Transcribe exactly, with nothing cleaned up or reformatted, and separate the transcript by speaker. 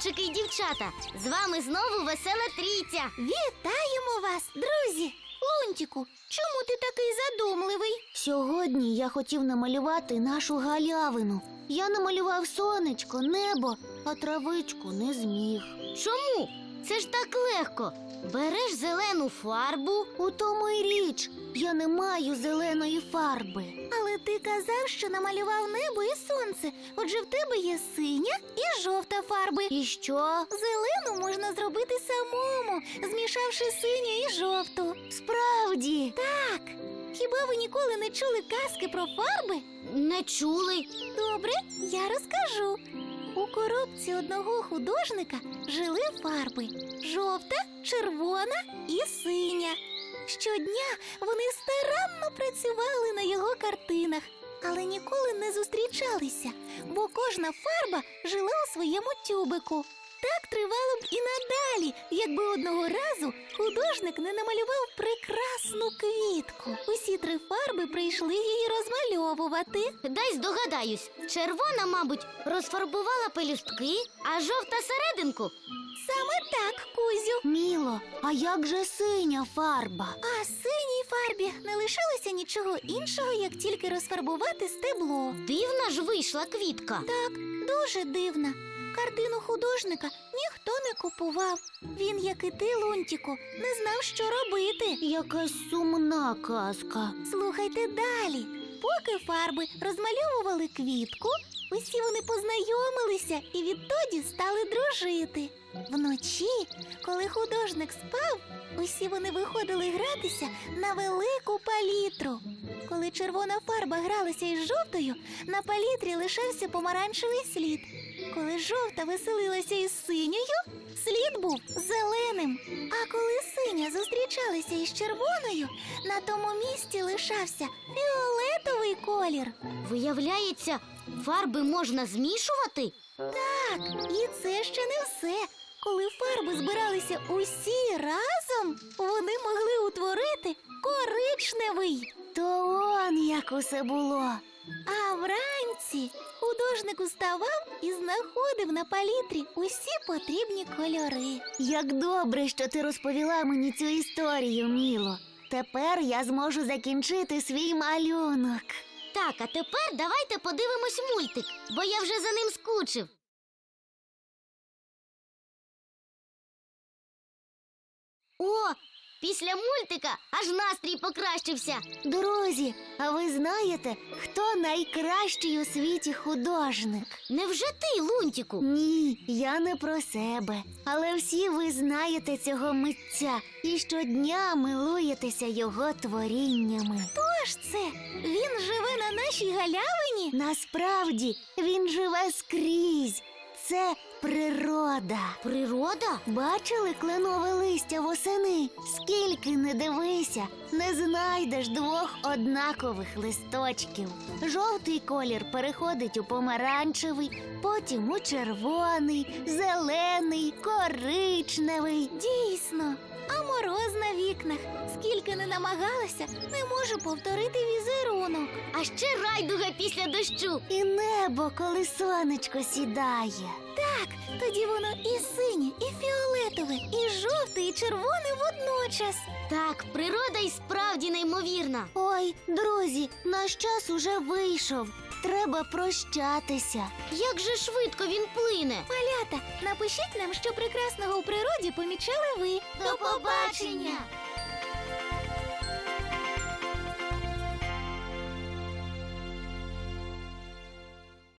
Speaker 1: хлопчики і дівчата! З вами знову весела трійця!
Speaker 2: Вітаємо вас, друзі! Лунтику, чому ти такий задумливий?
Speaker 3: Сьогодні я хотів намалювати нашу галявину. Я намалював сонечко, небо, а травичку не зміг.
Speaker 1: Чому? Це ж так легко. Береш зелену фарбу.
Speaker 3: У тому й річ, я не маю зеленої фарби.
Speaker 2: Але ти казав, що намалював небо і сонце. Отже, в тебе є синя і жовта фарби.
Speaker 3: І що?
Speaker 2: Зелену можна зробити самому, змішавши синю і жовту.
Speaker 3: Справді?
Speaker 2: Так. Хіба ви ніколи не чули казки про фарби?
Speaker 1: Не чули.
Speaker 2: Добре, я розкажу. У коробці одного художника жили фарби – жовта, червона і синя. Щодня вони старанно працювали на його картинах, але ніколи не зустрічалися, бо кожна фарба жила у своєму тюбику. Так тривало б і надалі, якби одного разу художник не намалював прекрасну квітку. Усі три фарби прийшли її розмальовувати.
Speaker 1: Дай здогадаюсь. Червона, мабуть, розфарбувала пелюстки, а жовта серединку.
Speaker 2: Саме так, Кузю.
Speaker 3: Міло, а як же синя фарба?
Speaker 2: А синій фарбі не лишилося нічого іншого, як тільки розфарбувати стебло.
Speaker 1: Дивна ж вийшла квітка.
Speaker 2: Так, дуже дивна. Картину художника ніхто не купував. Він, як і ти, Лунтику, не знав, що робити.
Speaker 3: Якась сумна казка.
Speaker 2: Слухайте далі. Поки фарби розмальовували квітку, усі вони познайомилися і відтоді стали дружити. Вночі, коли художник спав, усі вони виходили гратися на велику палітру. Коли червона фарба гралася із жовтою, на палітрі лишався помаранчевий слід. Коли жовта веселилася із синьою, слід був зеленим. А коли синя зустрічалася із червоною, на тому місці лишався фіолетовий колір.
Speaker 1: Виявляється, фарби можна змішувати?
Speaker 2: Так, і це ще не все. Коли фарби збиралися усі разом, вони могли утворити коричневий.
Speaker 3: То он як усе було.
Speaker 2: А вранці художник уставав і знаходив на палітрі усі потрібні кольори.
Speaker 3: Як добре, що ти розповіла мені цю історію, Міло. Тепер я зможу закінчити свій малюнок.
Speaker 1: Так, а тепер давайте подивимось мультик, бо я вже за ним скучив. О, після мультика аж настрій покращився.
Speaker 3: Друзі, а ви знаєте, хто найкращий у світі художник?
Speaker 1: Невже ти, Лунтику?
Speaker 3: Ні, я не про себе. Але всі ви знаєте цього митця і щодня милуєтеся його творіннями.
Speaker 2: Хто ж це? Він живе на нашій галявині?
Speaker 3: Насправді, він живе скрізь. Це природа.
Speaker 1: Природа?
Speaker 3: Бачили кленове листя восени? Скільки не дивися, не знайдеш двох однакових листочків. Жовтий колір переходить у помаранчевий, потім у червоний, зелений, коричневий.
Speaker 2: Дійсно, а мороз на вікнах. Скільки не намагалася, не можу повторити візерунок.
Speaker 1: А ще райдуга після дощу.
Speaker 3: І небо, коли сонечко сідає.
Speaker 2: Так, тоді воно і синє, і фіолетове, і жовте, і червоне водночас.
Speaker 1: Так, природа і справді неймовірна.
Speaker 3: Ой, друзі, наш час уже вийшов. Треба прощатися.
Speaker 1: Як же швидко він плине.
Speaker 2: Малята, напишіть нам, що прекрасного у природі помічали ви.
Speaker 1: До побачення!